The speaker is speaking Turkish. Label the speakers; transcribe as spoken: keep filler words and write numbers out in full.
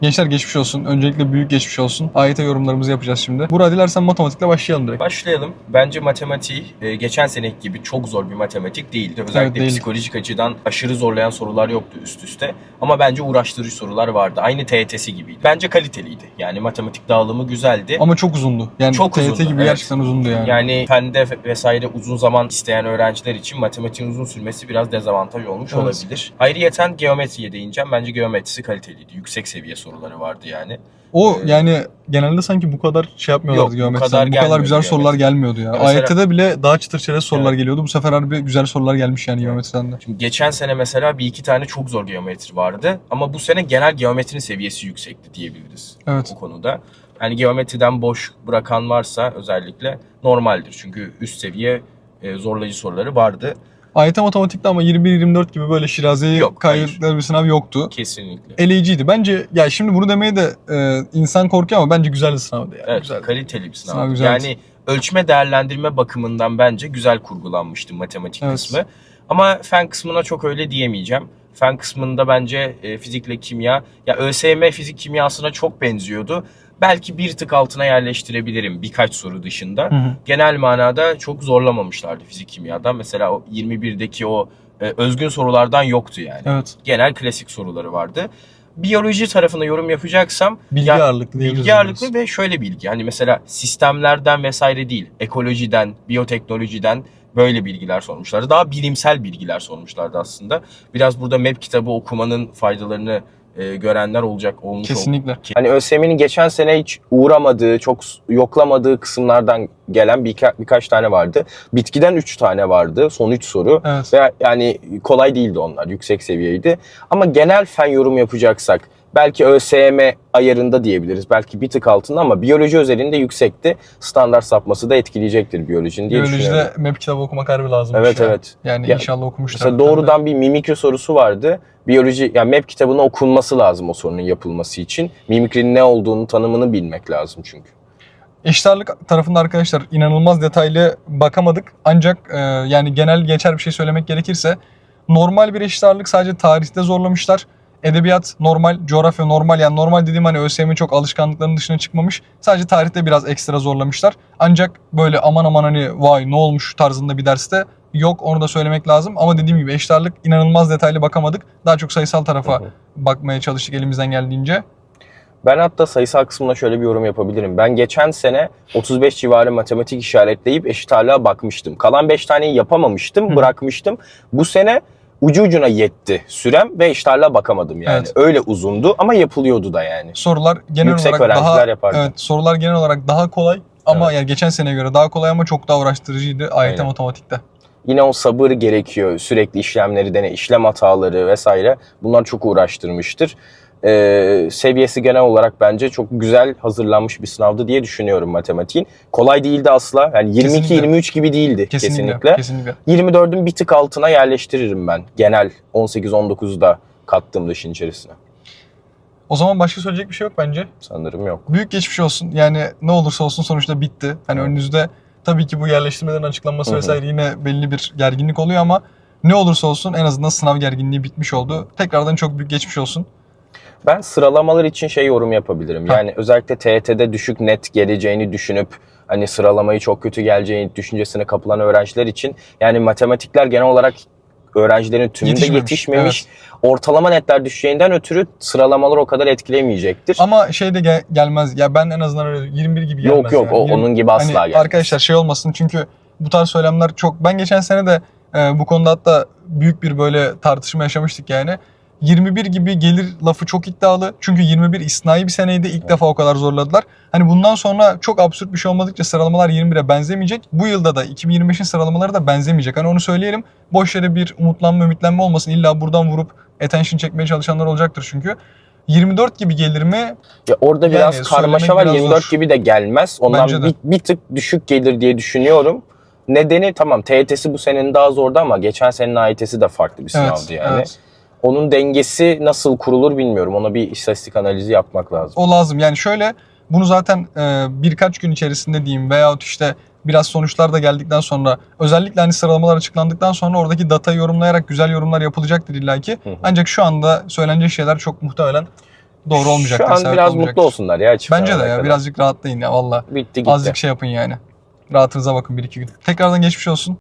Speaker 1: Gençler geçmiş olsun. Öncelikle büyük geçmiş olsun. A Y T yorumlarımızı yapacağız şimdi. Burak, dilersen matematikle başlayalım direkt.
Speaker 2: Başlayalım. Bence matematiği e, geçen seneki gibi çok zor bir matematik değildi. Özellikle
Speaker 1: Evet, değildi.
Speaker 2: psikolojik açıdan aşırı zorlayan sorular yoktu üst üste. Ama bence uğraştırıcı sorular vardı. Aynı T Y T'si gibiydi. Bence kaliteliydi. Yani matematik dağılımı güzeldi.
Speaker 1: Ama çok uzundu. Yani
Speaker 2: Çok
Speaker 1: T Y T
Speaker 2: uzundu,
Speaker 1: gibi
Speaker 2: evet.
Speaker 1: gerçekten uzundu yani.
Speaker 2: Yani fende vesaire uzun zaman isteyen öğrenciler için matematiğin uzun sürmesi biraz dezavantaj olmuş
Speaker 1: Evet.
Speaker 2: olabilir. Ayrıyeten geometriye değineceğim. Bence geometrisi kaliteliydi. Yüksek seviye soruları vardı yani.
Speaker 1: O
Speaker 2: Ee,
Speaker 1: yani genelde sanki bu kadar şey yapmıyorlardı
Speaker 2: Yok, bu
Speaker 1: geometriden.
Speaker 2: kadar
Speaker 1: Bu kadar
Speaker 2: gelmiyordu
Speaker 1: güzel sorular
Speaker 2: geometri.
Speaker 1: gelmiyordu ya.
Speaker 2: Ya mesela-
Speaker 1: A Y T'de bile daha çıtır çerez sorular
Speaker 2: Evet.
Speaker 1: geliyordu. Bu sefer harbi güzel sorular gelmiş yani geometriden de.
Speaker 2: Şimdi geçen sene mesela bir iki tane çok zor geometri vardı. Ama bu sene genel geometrinin seviyesi yüksekti diyebiliriz.
Speaker 1: Evet.
Speaker 2: Bu konuda. Yani geometriden boş bırakan varsa özellikle normaldir. Çünkü üst seviye e, zorlayıcı soruları vardı.
Speaker 1: A Y T matematikte ama yirmi bir yirmi dört gibi böyle Şirazi'yi
Speaker 2: Yok,
Speaker 1: kaydettikleri bir sınav yoktu.
Speaker 2: Kesinlikle.
Speaker 1: Eleyiciydi. Bence ya şimdi bunu demeye de e, insan korkuyor ama bence güzel bir sınavdı yani.
Speaker 2: Evet,
Speaker 1: Güzeldi.
Speaker 2: kaliteli bir sınav.
Speaker 1: Sınav güzeldi.
Speaker 2: Yani ölçme değerlendirme bakımından bence güzel kurgulanmıştı matematik
Speaker 1: Evet.
Speaker 2: kısmı. Ama fen kısmına çok öyle diyemeyeceğim. Fen kısmında bence e, fizikle kimya, ya ÖSYM fizik kimyasına çok benziyordu. Belki bir tık altına yerleştirebilirim birkaç soru dışında.
Speaker 1: Hı hı.
Speaker 2: Genel manada çok zorlamamışlardı fizik kimyadan. Mesela o yirmi birdeki o e, özgün sorulardan yoktu yani.
Speaker 1: Evet.
Speaker 2: Genel klasik soruları vardı. Biyoloji tarafına yorum yapacaksam
Speaker 1: Bilgi
Speaker 2: ya-
Speaker 1: ağırlıklı diyebiliriz.
Speaker 2: Bilgi ağırlıklı ve şöyle bilgi. Hani mesela sistemlerden vesaire değil, ekolojiden, biyoteknolojiden böyle bilgiler sormuşlardı. Daha bilimsel bilgiler sormuşlardı aslında. Biraz burada M E P kitabı okumanın faydalarını e, görenler olacak olmuş oldu.
Speaker 1: Kesinlikle.
Speaker 2: Hani ÖSYM'nin geçen sene hiç uğramadığı, çok yoklamadığı kısımlardan gelen birka, birkaç tane vardı. Bitkiden üç tane vardı. Son üç soru.
Speaker 1: Evet.
Speaker 2: Ve yani kolay değildi onlar. Yüksek seviyeydi. Ama genel fen yorum yapacaksak belki ÖSYM ayarında diyebiliriz. Belki bir tık altında ama biyoloji özelinde yüksekti. Standart sapması da etkileyecektir biyolojinin diye düşünüyorum.
Speaker 1: Biyolojide M E P kitabı okumak harbi lazım.
Speaker 2: Evet, evet.
Speaker 1: Yani
Speaker 2: Ya,
Speaker 1: inşallah okumuşlar.
Speaker 2: Mesela doğrudan bir mimikri sorusu vardı. Biyoloji, yani M E P kitabına okunması lazım o sorunun yapılması için. Mimikrinin ne olduğunu, tanımını bilmek lazım çünkü.
Speaker 1: Eşit ağırlık tarafında arkadaşlar inanılmaz detaylı bakamadık. Ancak e, yani genel geçer bir şey söylemek gerekirse normal bir eşit ağırlık sadece tarihte zorlamışlar. Edebiyat normal, coğrafya normal. Yani normal dediğim hani ÖSYM'in çok alışkanlıklarının dışına çıkmamış. Sadece tarihte biraz ekstra zorlamışlar. Ancak böyle aman aman hani vay ne olmuş tarzında bir derste yok, onu da söylemek lazım. Ama dediğim gibi eşit ağırlık inanılmaz detaylı bakamadık. Daha çok sayısal tarafa
Speaker 2: Hı hı.
Speaker 1: bakmaya çalıştık elimizden geldiğince.
Speaker 2: Ben hatta sayısal kısmına şöyle bir yorum yapabilirim. Ben geçen sene otuz beş civarı matematik işaretleyip eşit ağırlığa bakmıştım. Kalan beş taneyi yapamamıştım,
Speaker 1: Hı.
Speaker 2: bırakmıştım. Bu sene ucu ucuna yetti sürem ve eşit ağırlığa bakamadım yani.
Speaker 1: Evet.
Speaker 2: Öyle uzundu ama yapılıyordu da yani.
Speaker 1: Sorular genel
Speaker 2: Yüksek
Speaker 1: olarak
Speaker 2: öğrenciler
Speaker 1: daha
Speaker 2: yapardı.
Speaker 1: evet, sorular genel olarak daha kolay ama
Speaker 2: Evet.
Speaker 1: yani geçen seneye göre daha kolay ama çok daha uğraştırıcıydı A Y T
Speaker 2: Aynen.
Speaker 1: matematikte.
Speaker 2: Yine o sabır gerekiyor. Sürekli işlemleri dene, işlem hataları vesaire. Bunlar çok uğraştırmıştır. Ee, seviyesi genel olarak bence çok güzel hazırlanmış bir sınavdı diye düşünüyorum matematiğin. Kolay değildi asla. Yani yirmi iki yirmi üç gibi değildi
Speaker 1: Kesinlikle.
Speaker 2: kesinlikle.
Speaker 1: Kesinlikle.
Speaker 2: yirmi dördün bir tık altına yerleştiririm ben. Genel on sekiz on dokuzu da kattığımda işin içerisine.
Speaker 1: O zaman başka söyleyecek bir şey yok bence.
Speaker 2: Sanırım yok.
Speaker 1: Büyük geçmiş olsun. Yani ne olursa olsun sonuçta bitti. Hani
Speaker 2: Evet.
Speaker 1: önünüzde tabii ki bu yerleştirmelerin açıklanması
Speaker 2: Hı hı.
Speaker 1: vesaire yine belli bir gerginlik oluyor ama ne olursa olsun en azından sınav gerginliği bitmiş oldu. Tekrardan çok büyük geçmiş olsun.
Speaker 2: Ben sıralamalar için şey yorum yapabilirim.
Speaker 1: Ha.
Speaker 2: Yani özellikle T Y T'de düşük net geleceğini düşünüp hani sıralamayı çok kötü geleceğini düşüncesine kapılan öğrenciler için yani matematikler genel olarak öğrencilerin tümünde
Speaker 1: Yetişmemiş,
Speaker 2: yetişmemiş. Ortalama netler düşeceğinden ötürü sıralamalar o kadar etkilemeyecektir.
Speaker 1: Ama şey de gel- gelmez. Ya ben en azından öyle yirmi bir gibi gelmez.
Speaker 2: Yok yok
Speaker 1: yani.
Speaker 2: o,
Speaker 1: yirmi
Speaker 2: onun gibi asla
Speaker 1: hani
Speaker 2: gelmez.
Speaker 1: arkadaşlar şey olmasın çünkü bu tarz söylemler çok... Ben geçen sene de e, bu konuda hatta büyük bir böyle tartışma yaşamıştık yani. yirmi bir gibi gelir lafı çok iddialı. Çünkü yirmi bir istisnai bir seneydi. İlk
Speaker 2: Evet.
Speaker 1: defa o kadar zorladılar. Hani bundan sonra çok absürt bir şey olmadıkça sıralamalar yirmi bire benzemeyecek. Bu yılda da iki bin yirmi beşin sıralamaları da benzemeyecek. Hani onu söyleyelim. Boş yere bir umutlanma, ümitlenme olmasın. İlla buradan vurup attention çekmeye çalışanlar olacaktır çünkü. yirmi dört gibi gelir mi?
Speaker 2: Ya orada
Speaker 1: Yani
Speaker 2: biraz karmaşa var.
Speaker 1: söylemek biraz
Speaker 2: yirmi dört
Speaker 1: zor.
Speaker 2: gibi de gelmez. Ondan
Speaker 1: Bence de.
Speaker 2: bir, bir tık düşük gelir diye düşünüyorum. Nedeni tamam T Y T'si bu senenin daha zordu ama geçen senenin A Y T'si de farklı bir sınavdı
Speaker 1: Evet,
Speaker 2: yani.
Speaker 1: evet.
Speaker 2: Onun dengesi nasıl kurulur bilmiyorum. Ona bir istatistik analizi yapmak lazım.
Speaker 1: O lazım. Yani şöyle bunu zaten e, birkaç gün içerisinde diyeyim veyahut işte biraz sonuçlar da geldikten sonra özellikle hani sıralamalar açıklandıktan sonra oradaki datayı yorumlayarak güzel yorumlar yapılacaktır illaki.
Speaker 2: Hı hı.
Speaker 1: Ancak şu anda söylenecek şeyler çok muhtemelen doğru olmayacaktır.
Speaker 2: Şu an
Speaker 1: sebep
Speaker 2: biraz
Speaker 1: olmayacaktır.
Speaker 2: mutlu olsunlar ya. çift
Speaker 1: Bence de
Speaker 2: zamana
Speaker 1: ya
Speaker 2: kadar.
Speaker 1: birazcık rahatlayın ya valla.
Speaker 2: Bitti gitti.
Speaker 1: Azıcık şey yapın yani. Rahatınıza bakın bir iki gün. Tekrardan geçmiş olsun.